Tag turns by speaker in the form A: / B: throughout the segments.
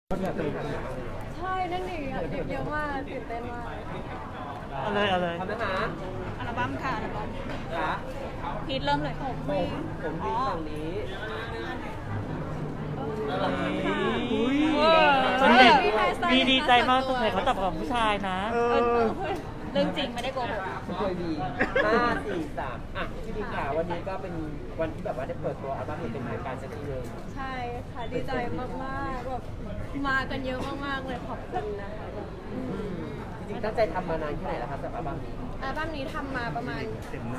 A: ใช่นั่นเองเยอะมากตื่นเต้นมาก
B: เอาเลย
C: ทำนะคะ
D: อัลบั้มค่ะอัลบั้ม
C: ขา
D: พีทเริ่มเลย
C: ผมดีฝั่งนี้
B: ส่วนเด็กมีดีใจมากสงสัยเขาจับกับผู้ชายนะ
D: เรื่องจริงไม่ได้โกหก
C: เคยดี5 4 3อ่ะพี่ดีขาวันนี้ก็เป็นวันที่แบบว่าได้เปิดตัวอัลบั้มเป็นทางการสักทีนึง
A: ใช่ค่ะดีใจมากๆแบบมากันเยอะมากๆเลยขอบคุณนะคะแบบ
C: จริงๆตั้งใจทำมานานแค่ไหนแล้วครับสำหรับอัลบั้มนี้
A: อัลบั้มนี้ทำมาประมาณ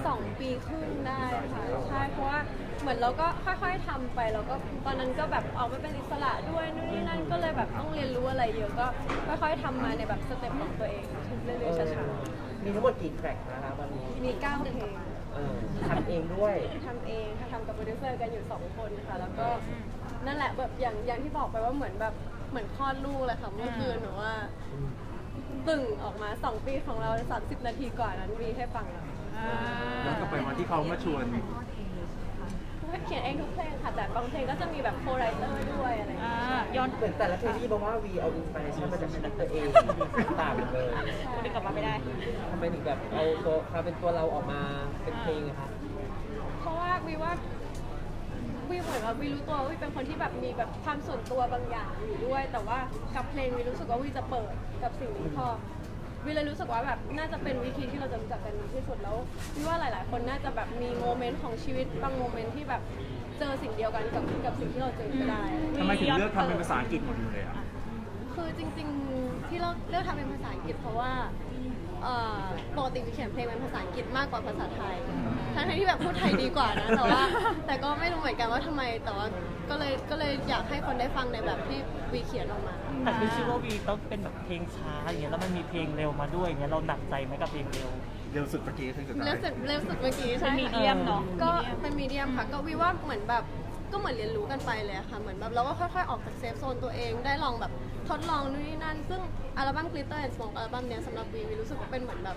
A: 2 ปีครึ่งได้ค่ะใช่เพราะว่าเหมือนเราก็ค่อยๆทำไปแล้วก็ตอนนั้นก็แบบออกมาเป็นอิสระด้วยนู่นนี่นั่นก็เลยแบบต้องเรียนรู้อะไรเยอะก็ค่อยๆทำมาในแบบสเต็ปของตัวเองเรื่อยๆช้า
C: มีทั้งหมดกี่แทร็กนะครับวันนี้
A: ๆมี9เพลง
C: ทำเองด้วย
A: ทำเองค่ะทำกับโปรดิวเซอร์กันอยู่2 คนค่ะแล้วก็นั่นแหละแบบอย่างที่บอกไปว่าเหมือนแบบเหมือนคลอดลูกเลยค่ะเมื่อคืนหนูว่าตึ่งออกมา2 ปีของเรา30 นาทีกว่านั้นมีให้ฟังแล้ว
E: ย้อนกลับไปวันที่เขามาชวน
A: เขียนเองทุกเพลงค่ะแต่บางเพลงก็จะมีแบบโคไรเตอร์ด้วยอะไรอย่างเงี้ย
D: ย้อน
C: เหมือนแต่ละเพลงที่บอกว่าวีเอาอินสปิเรชันมาจากชีวิตตัวเองต่างกันเลย
D: พูดกลับมาไม่ได้
C: ทำไมถึงแบบเอาตัวความเป็นตัวเราออกมาเป็นเพลงอะคะ
A: เพราะว่าวีเหมือนว่าวีรู้ตัวว่าวีเป็นคนที่แบบมีแบบความส่วนตัวบางอย่างอยู่ด้วย แต่ว่ากับเพลงวีรู้สึกว่าวีจะเปิดกับสิ่งนี้พอวีเลยรู้สึกว่าแบบน่าจะเป็นวิธีที่เราจะรู้จักกันดีที่สุดแล้ววีว่าหลาย ๆ คนน่าจะแบบมีโมเมนต์ของชีวิตบางโมเมนต์ที่แบบเจอสิ่งเดียวกันกับสิ่งที่เราเจอก็ได้
E: ทำไมถึงเลือกทำเป็นภาษาอังกฤษหมดเลยอ่ะ
A: คือจริงๆที่เราเลือกทำเป็นภาษาอังกฤษเพราะว่าปกติวิเขียนเพลงเป็นภาษาอังกฤษมากกว่าภาษาไทยทั้งที่แบบพูดไทยดีกว่านะแต่ก็ไม่รู้เหมือนกันว่าทำไมแต่ว่าก็เลยอยากให้คนได้ฟังในแบบที่วีเขียนออกมา
B: แต่คือชื่อว่าวีต้องเป็นแบบเพลงช้าอย่างเงี้ยแล้วมันมีเพลงเร็วมาด้วยอย่างเงี้ยเราหนักใจไหมกับเพลงเร็ว
E: เร็วสุดเมื่อกี้ถึงสุดท้าย
A: เร็วสุดเมื่อกี้ใช่
D: เป็นมีเดียมเนาะ
A: ก็เป็นมีเดียมค่ะก็วีว่าเหมือนแบบก็เหมือนเรียนรู้กันไปเลยอะค่ะเหมือนแบบเราก็ค่อยๆออกจากเซฟโซนตัวเองได้ลองแบบทดลองนู่นนี่นั่นซึ่งอัลบั้ม Glitter and Smoke อัลบั้มเนี้ยสำหรับวีรู้สึกว่าเป็นเหมือนแบบ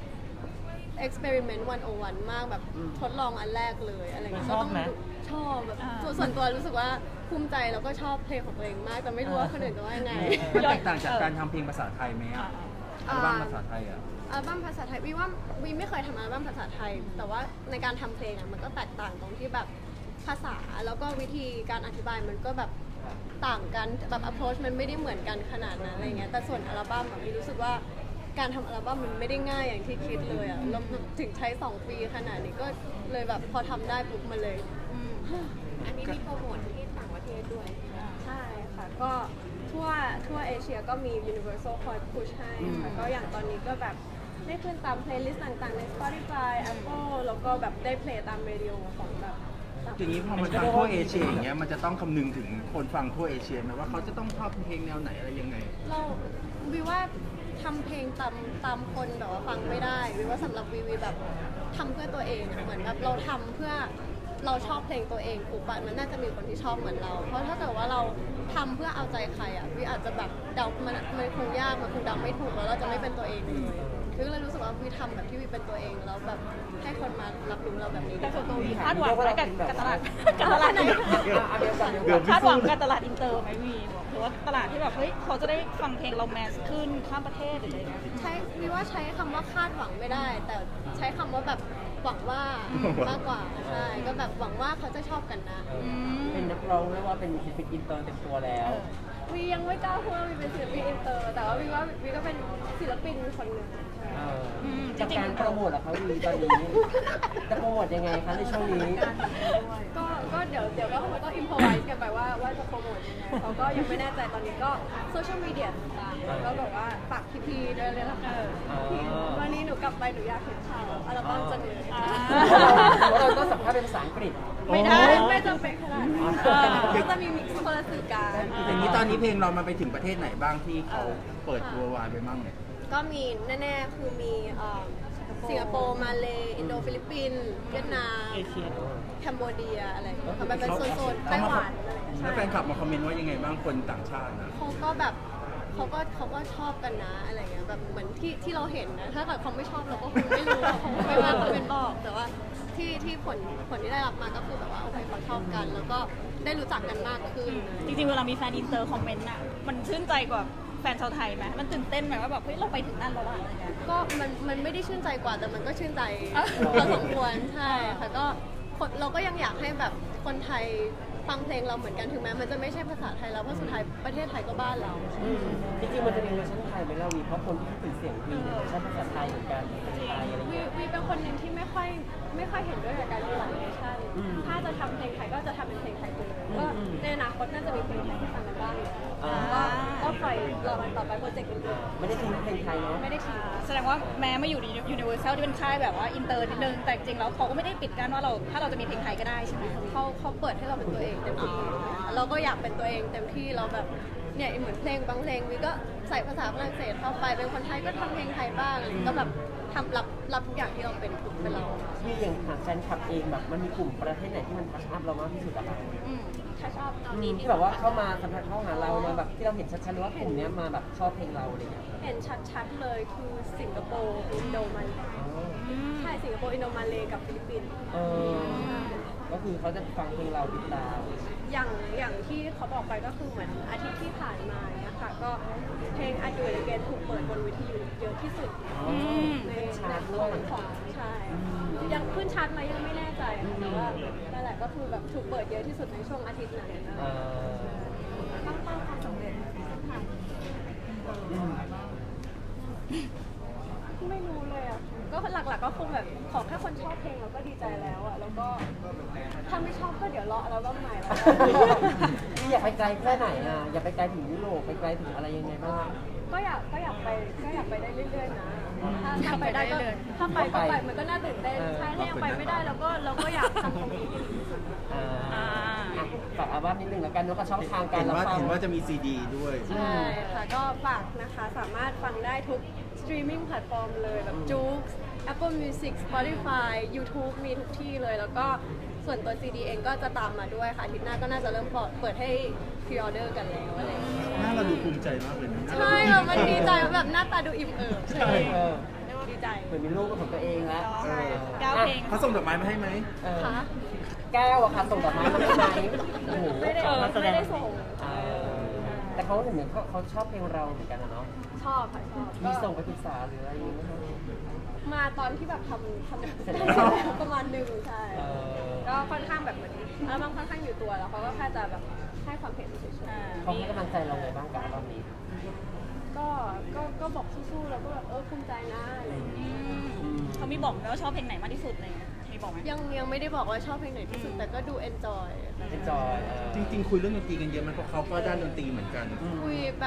A: experiment 101 มากแบบทดลองอันแรกเลยอะไรอย่างเงี้ย
B: ชอบไหม
A: ชอบแบบส่วนตัวรู้สึกว่าภูมิใจแล้วก็ชอบเพลงของตัวเองมากแต่ไม่รู้ว่าคนอื่นจะว่ายังไง
E: มันแตกต่างจากการทำเพลงภาษาไทยไหมอ่ะอัลบั้มภาษาไทยอ่ะ
A: อัลบั้มภาษาไทยวีว่าวีไม่เคยทำอัลบั้มภาษาไทย แต่ว่าในการทำเพลงอ่ะมันก็แตกต่างตรงที่แบบภาษาแล้วก็วิธีการอธิบายมันก็แบบต่างกันแบบ approach มันไม่ได้เหมือนกันขนาดนั้นอะไรเงี้ยแต่ส่วนอัลบั้มอะวีรู้สึกว่าการทำอัลบั้มมันไม่ได้ง่ายอย่างที่คิดเลยอ่ะแล้วถึงใช้2 ปีขนาดนี้ก็เลยแบบพอทำได้ปุ๊บมาเลย
D: อันนี้มีโปรโมทที่ต่างประเทศด้วย
A: ใช่ค่ะก็ทั่วเอเชียก็มี Universal คอยพุชให้ค่ะก็อย่างตอนนี้ก็แบบได้ขึ้นตามเพลย์ลิสต์ต่างๆ ใน Spotify Apple แล้วก็แบบได้เพลย์ตามเรดิโอของแบบต่าง
E: อย่างนี้พอมันฟังทั่วเอเชียอย่างเงี้ยมันจะต้องคำนึงถึงคนฟังทั่วเอเชียไหมว่าเขาจะต้องชอบเพลงแนวไหนอะไรยังไง
A: เราวิว่าทำเพลงตามคนแบบว่าฟังไม่ได้วิว่าสำหรับวีแบบทำเพื่อตัวเองอะเหมือนแบบเราทำเพื่อเราชอบเพลงตัวเองปุ๊บอะมันน่าจะมีคนที่ชอบเหมือนเรา เพราะถ้าเกิดว่าเราทำเพื่อเอาใจใครอะวิอาจจะแบบเดามันคงยากมันคงเดาไม่ถูกแล้วเราจะไม่เป็นตัวเองเลยวิก็เลยรู้สึกว่าวิทำแบบที่วิเป็นตัวเองแล้วแบบให้คนมารับรู้เราแบบนี้
D: แต่ส่วนตัววีคาดหวังไว้กับตลาดไหน
C: เดี๋ยว
D: คาดหวังกับตลาดอินเตอร์ไหมวีบอกหรือว่าตลาดที่แบบเฮ้ยเขาจะได้ฟังเพลงเราแมสขึ้นข้ามประเทศหรืออะไรเงี้ย
A: ใช้วิว่าใช้คำว่าคาดหวังไม่ได้ แต่ใช้คำว่าแบบหวังว่ามากกว่าใช่ก็แบบหวังว่าเขาจะชอบกันนะ
C: เป็นนักร้องเรียกว่าเป็นศิลปินอินเตอร์เต็มตัวแล้ว
A: วียังไม่กล้าพูดว่าวีเป็นศิลปินอินเตอร์แต่ว่าวีว่าวีก็เป็นศิลปินคนหนึ่ง
C: จากการโปรโมทอะคะวีตอนนี้จะโปรโมทยังไงคะในช่วงนี้
A: ก็เดี๋ยวก็คงต้องอิมพอไวส์กันไปว่าจะโปรโมทยังไงเขาก็ยังไม่แน่ใจตอนนี้ก็โซเชียลมีเดียต่างๆก็แบบว่าฝากพี่ๆด้วยเลยละกันวันนี้หนูกลับไปหนูอยากเห็นข่าวอัลบั้มจังเลย
C: เราก็สัมภาษณ์เป็นภาษาอังกฤษ
A: ไม่ได้ไม่จำเป็นขนาดนั้นก็จะมีมิกซ์คนละสื่อการ
E: อย่างนี้ตอนนี้เพลงเรามันไปถึงประเทศไหนบ้างที่เขาเปิดตัววายไปบ้างเนี่ย
A: ก็มีแน่ๆคือมีสิงคโปร์มาเลอินโดฟิลิปปินส์เวียดนาม
B: เอเชีย
A: แคนโบเดียอะไรอย่างเงี้ยค่ะมันเป็นโซนๆไต้หวันอะไรอย่างเงี้ย
E: แล้วแฟนคลับมาคอมเมนต์ว่ายังไงบ้างคนต่างชาตินะ
A: เขาก็แบบเขาก็ชอบกันนะอะไรเงี้ยแบบเหมือนที่เราเห็นนะถ้าเกิดเขาไม่ชอบเราก็คงไม่รู้เขาไม่ว่าเขาเป็นบอกแต่ว่าที่ผลที่ได้รับมาก็คือแบบว่าโอเคเขาชอบกัน แล้วก็ได้รู้จักกันมากขึ้น
D: จริงๆเวลามีแฟนอินเตอร์คอมเมนต์อ่ะมันชื่นใจกว่าแฟนชาวไทยไหมมันตื่นเต้นไหมว่าแบบเฮ้ยเราไปถึงนั่นแล้วอะอะไรเงี้ย
A: ก็มันไม่ได้ชื่นใจกว่าแต่มันก็ชื่นใจ
D: อ่ะ
A: พอสมควรใช่ค่ะก็เราก็ยังอยากให้แบบคนไทยฟังเพลงเราเหมือนกันถึงแม้มันจะไม่ใช่ภาษาไทยแล้วเพราะสุดท้ายประเทศไทยก็บ้านเรา
C: จริงๆมันจะมีเวอร์ชันไทยไหมล่ะวีเพราะคนที่คิดถึงเสียงวีเนี่ยเวอร์ชันภาษาไทยเหมือนกันเป็นไทยอะไร
A: วี
C: เงี้ย
A: วีเป็นคนหนึ่งที่ไม่ค่อยเห็นด้วยกับการมีหลายเวอร์ชัน
C: อืม
A: ถ้าจะทำเพลงไทยก็จะทำเป็นเพลงไทยไปเลยก็
C: อืม
A: ในอนาคตน่าจะมีเพลงไทยให้ฟังกันบ้างอยู่แล้ว
C: อ่า
A: ก็ปล่อยรอมันต่อไปโปรเจกต์อื่น
C: ไม่ได้ทิ้งเพลงไทยเนาะ
A: ๆไม่ได้ทิ้ง
D: แสดงว่าแม้มาอยู่ใน Universal ที่เป็นค่ายแบบว่าอินเตอร์นิดนึงแต่จริงๆแล้วเขาก็ไม่ได้ปิดกั้นว่าถ้าเราจะมีเพลงไทยก็ได้ใช่ไหม
A: เขาเปิดให้เราเป็นตัวเองเต็มที่เราก็อยากเป็นตัวเองเต็มที่เราแบบเนี่ยเหมือนเพลงบางเพลงวีก็ใส่ภาษาฝรั่งเศสเข้าไปเป็นคนไทยก็ทำเพลงไทยบ้างอะไรก็แบบทำรับทุกอย่างที่เราเป็นเรา
C: วีอย่างหาแฟนคลับเองแบบมันมีกลุ่มประเทศไหนที่มันทัชอัพเรามากที่สุดอะคะ
A: ถ้าชอบ
C: ที่แบบว่าเข้ามาสัมผัสเข้าหาเรามาแบบที่เราเห็นชัดๆเลยว่ากลุ่มเนี้ยมาแบบชอบเพลงเราอะไรเงี้ย
A: เห็นชัดๆเลยคือสิงคโปร์อินโดมาเลใช่สิงคโปร์อินโดมาเลกับฟิลิปปินส์
C: เออก็คือเขาจะฟังเพลงเราติดตาม
A: อย่างที่เขาบอกไปก็คือเหมือนอาทิตย์ที่ผ่านมาเนี่ยค่ะก็เพลง I Do It Again ถูกเปิดบนวิทยุเยอะที่สุดในของใช่ยังขึ้นชาร์ตไหมยังไม่แน่ใจค่ะแต่ว่านั่นแหละก็คือแบบถูกเปิดเยอะที่สุดในช่วงอาทิตย์นั้นนะ
C: เออ
A: ตั้งเป้าความสำเร็จค่ะ
C: อืม
A: ไม่รู้เลยอ่ะก็หลักๆก็คงแบบขอแค่คนชอบเพลงเราก็ดีใจแล้วอ่ะแล้วก็ถ้าไม่ชอบก็เดี๋ยวรออัลบั้มใหม่แล้ว
C: พี่อยากไปไกลแค่ไหนอ่ะอยากไปไกลถึงยุโรปไปไกลถึงอะไรยังไงบ้าง
A: ก็อยากไปได้เรื่อยๆนะถ้าไปได้ก็ถ้าไปก็ไปมันก็น่าตื่นเต้นใช่ถ้ายังไปไม่ได้เราก็อยากทำความดีที่สุด
C: อ่าอ่ะฝากอัลบั้มนิดนึงแล้วกันเนาะกับช่องทางการรับฟัง
E: เห็นว่าจะมีซีดีด้วย
A: ใช่ค่ะก็ฝากนะคะสามารถฟังได้ทุกสตรีมมิ่งแพลตฟอร์มเลยแบบจู๊ก Apple Music Spotify YouTube มีทุกที่เลยแล้วก็ส่วนตัว CD เองก็จะตามมาด้วยค่ะอาทิตย์หน้าก็น่าจะเริ่มเปิดให้พรีออเดอร์กันแล้วอะไรอย่างเงี้ย
E: หน้าเราดูภูมิใจมากเลยนะ
A: ใช่แบบมันดีใจแบบหน้าตาดูอิ่มเอิบใช่ไหม
C: เออ
A: ดีใจ
C: เหมือนมีลูกเป็นของตัวเองแล้ว
A: ใช่ค่ะ
D: ก้าวเพลง
E: เขาส่งดอกไม้มาให้ไหม
C: เออ
A: ค่ะ
C: แก้วอะค่ะส่งดอกไม้มาให้ไหมโอ้โห
A: ไม่ได้ส่ง
C: เออแต่เขาเหมือนเขาชอบเพลงเราเหมือนกันนะเนาะ
A: ชอบค่ะชอบ
C: มีส่งไปปรึกษาหรืออะไรอย่างเงี้ยไหมคะ
A: มาตอนที่แบบทำ
C: เสร็จ
A: ได้
C: แล้ว
A: แล้วประมาณหนึ่งใช่
C: เออ
A: ก็ค่อนข้างแบบเหมือนอัลบั้มค่อนข้างอยู่ตัวแล้วเขาก็แค่จะแบบให้ความเห็นเฉย
C: เขาให้กำลังใจเราไงบ้างกับอัลบั้มนี้
A: ๆก็บอกสู้ๆแล้วก็แบบภูมิใจนะอะไรอย่างเงี้ย
D: เขามีบอกไหมว่าชอบเพลงไหนมากที่สุดเลยมีบอกไหม
A: ยังไม่ได้บอกว่าชอบเพลงไหนที่สุดแต่ก็ดู enjoy
C: เอนจอย
E: จริงๆ คุยเรื่องดนตรีกันเยอะไหมันเพราะเขาก็ด้านดนตรีเหมือนกัน
A: คุยแบบ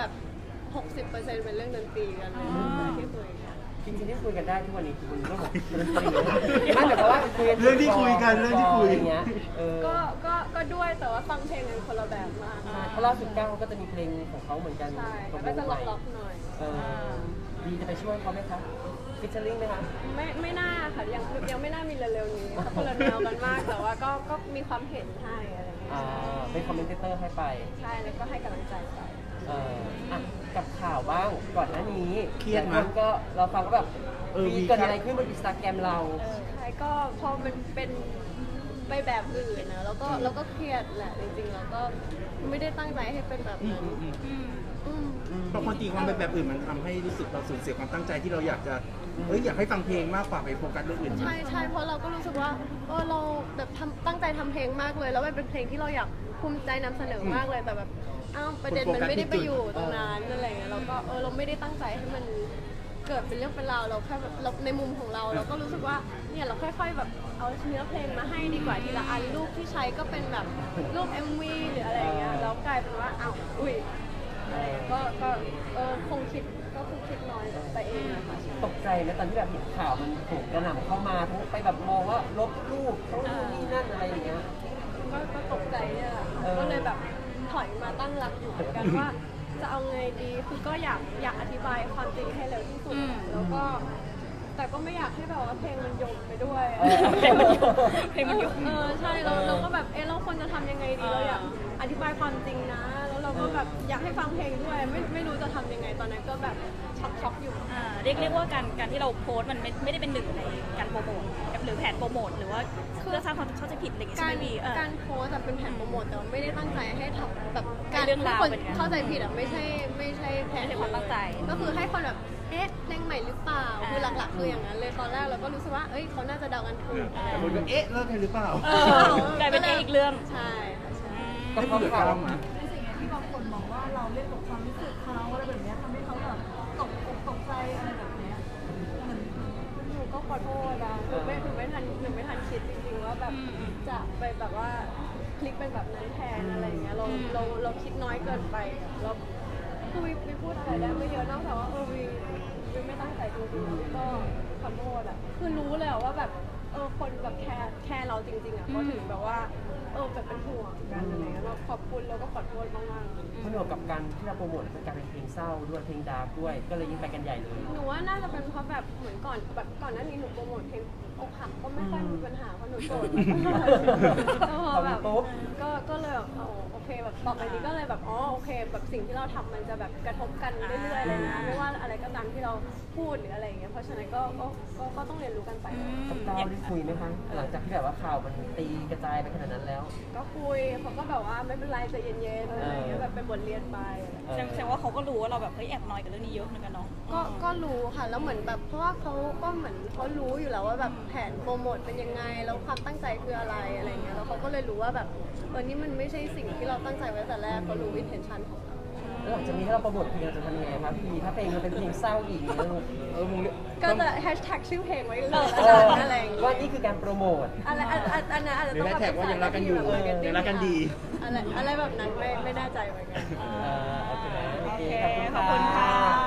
A: 60%เป็นเรื่องดนตรีกันเลยที่คุยกัน
C: จริงๆที่คุยกันได้ทุกวันนี้คือคุยเรื่องของดนตรีไม่แต่ว่าคุย
E: เรื่องที่คุยกันเรื่องที่คุย
C: อย่างเงี้ยเออ
A: ก็ด้วยแต่ว่าฟังเพลงกันคนละแบบมาก
C: เพราะล่าสุดก้าวเขาก็จะมีเพลงของเขาเหมือนกัน
A: ใช่แล้วก็จะล็อกๆหน่อย
C: เออดีจะไปช่วยเขาไหมคะฟิชเชอร์ลิงไหมคะ
A: ไม่น่าค่ะยังไม่น่ามีเร็วๆนี้เขาคนละแนวกันมากแต่ว่าก็มีความเห็นให้อะไรอย่างเงี้ย
C: เป็นคอมเมนเตอร์ให้ไป
A: ใช่แล้วก็ให้กำลังใจไป
C: อ่ะกับข่าวบ้างก่อนหน้านี้
E: เครียดไหม
C: หลาคนก็เราฟังก็แบบ
E: มี
C: เกิดอะไรขึ้นบนอินสตาแกรมเรา
A: ใช่ก็พอมันเป็นไปแบบอื่นนะแล้วก็เครียดแหละจริงๆแล้วก็ไม่ได้ตั้งใจให้เป็นแบบนั้น
E: เพราะความจริงความเป็นแบบอื่นมันทำให้รู้สึกเราสูญเสียความตั้งใจที่เราอยากจะอยากให้ฟังเพลงมากกว่าไปโฟกัสเรื่องอื่น
A: ใช่เพราะเราก็รู้สึกว่าเราแบบตั้งใจทำเพลงมากเลย แล้วมันเป็นเพลงที่เราอยากภูมิใจนำเสนอมากเลยแต่แบบประเด็นมันไม่ได้ไปอยู่ตรงนั้นอะไรเงี้ยเราก็เราไม่ได้ตั้งใจให้มันเกิดเป็นเรื่องเป็นราวเราแค่แบบเราในมุมของเราเราก็รู้สึกว่าเนี่ยเราค่อยๆแบบเอาเนื้อเพลงมาให้ดีกว่าทีละอันรูปที่ใช้ก็เป็นแบบรูป MV หรืออะไรเงี้ยแล้วกลายเป็นว่าอุ้ยก็คงคิดน้อยไปเองนะคะ
C: ตกใจไหมตอนที่แบบเห็นข่าวมันถูกกระหน่ำเข้ามาทั้งไปแบบมองว่าลบรูปเขานู่นนี่นั่นอะไรอย่างเงี้ย
A: ก็ตกใจเนี่ยแหละค่ะก็เลยแบบถอยมาตั้งหลักอยู่เหมือนกันว่า จะเอาไงดีคือก็อยากอธิบายความจริงให้เร็วที่สุดแล้วก็แต่ก็ไม่อยากให้แบบว่าเพลงมันโยงไปด้วย
D: เพลงมันโยง
A: ใช่เราก็แบบเราควรจะทำยังไงดีเราอยากอธิบายความจริงนะ แล้วเราก็แบบอยากให้ฟังเพลงด้วยไม่รู้จะทำยังไงตอนนั้นก็แบบช็อกอยู่
D: เรียกว่าการที่เราโพสต์มันไม่ได้เป็นหนึ่งในการโปรโมทหรือแผนโปรโมทหรือว่าเพื่อสร้างความเข้าใจผิดอะไรอย่างเงี้ยใช่ไหมพี่
A: การโพสต์เป็นแผนโปรโมทแต่ว่าไม่ได้ตั้งใจให้ทำแบบการ
D: เรื่องราว
A: คน
D: เป็นไง
A: เข้าใจผิดไม่ใช่แทน
D: ในความตั้งใจ
A: ก็คือให้คนแบบเอ๊ะเพลงใหม่หรือเปล่าคือหลักๆคืออย่างนั้นเลยตอนแรกเราก็รู้สึกว่าเอ้ยเขาน่าจะเดากันถูก
E: แต่คนก็เอ๊ะเลิกกันหรือเปล่า
D: กลายเป็นอีกเรื่อง
A: ใช่ค่ะใช่
C: ก็
E: ได้
C: เพราะ
E: คุยกับ
C: เขา
E: ก้าวมา
F: ในสิ่งที่บางคนมองว่าเราเล่นกับความรู้สึกเขาอะไรแบบเนี้ยทำให้เขาแบบตกอกตกใจอะไรแบบเนี้ยเหมือน
A: หนูก็ขอโทษนะหนูไม่ทันคิดจริงๆว่าแบบจะไปแบบว่าคลิกเป็นแบบนั้นแทนอะไรอย่างเงี้ยเราคิดน้อยเกินไปเราคือวิพูดอะไรได้ไม่เยอะนอกจากว่าวิไม่ตั้งใจจริงๆก็ขอโทษอ่ะคือรู้เลยอะว่าแบบคนแบบแคร์เราจริงๆอ่ะก็ถึงแบบว่าแบบเป็นห่วงกันอะไรเงี้ยเราขอบคุณแล้วก็ขอโทษมากๆ
C: ผนวกกับการที่เราโปรโมทเป็นการเป็นเพลงเศร้าด้วยเพลงดาร์กด้วย ก็เลยยิ่งไปกันใหญ่เลย
A: หนูว่าน่าจะเป็นเพราะแบบเหมือนก่อนหน้านี้หนูโปรโมทเพลงอกหักก็ไม่ค่อยมีปัญหาเพราะหนูโสดแล้วพอแบบ
C: ปุ๊บ
A: ก็เลยแบบโอเคแบบต่อไปนี้ก็เลยแบบโอเคแบบสิ่งที่เราทำมันจะแบบกระทบกันเรื่อยๆเลยนะไม่ว่าอะไรก็ตามที่เราพูดหรืออะไรอย่างเงี้ยเพราะฉะนั้นก็ต้องเรียนรู้กันไป
C: กับก้าวได้คุยไหมคะหลังจากที่แบบว่าข่าวมันตีกระจายไปขนาดนั้นแล้ว
A: ก็คุยเขาก็แบบว่าไม่เป็นไรใจเย็นๆอะไรอย่างเงี้ยแบบเป็นบทเรียนไป
D: แสดงว่าเขาก็รู้ว่าเราแบบเฮ้ยแอบน้อยกับเรื่องนี้เยอะเหมือนกันเนาะ
A: ก็รู้ค่ะแล้วเหมือนแบบเพราะว่าเขาก็เหมือนเขารู้อยู่แล้วว่าแบบแผนโปรโมทเป็นยังไงแล้วความตั้งใจคืออะไรอะไรเงี้ยแล้วเขาก็เลยรู้ว่าแบบนี่มันไม่ใช่สิ่งที่เราตั้งใจไว้แต่แรกเขารู้ intention ของเรา
C: แล้วหลังจากนี้ถ้าเราโปรโมทเพลงเราจะทำยังไงครับพี่ถ้าเพลงมันเป็นเพลงเศร้าอีกเนี่ยลูกมึง
A: ก็จะแฮชแท็กชื่อเพลงไว้เลย
C: เออ
A: อะไรอย่างเงี้ย
C: ว่านี่คือการโปรโมท
A: อะไรอันนั้นอาจจะ
E: หรือ
A: ต้อง
E: แฮชแท็กว่ายังรักกันอยู่ยังรักกันดี
A: อะไรแบบนั้นไม่แน่ใจเหมือนกัน
C: โอเค
D: โอเค ขอบคุณค่ะ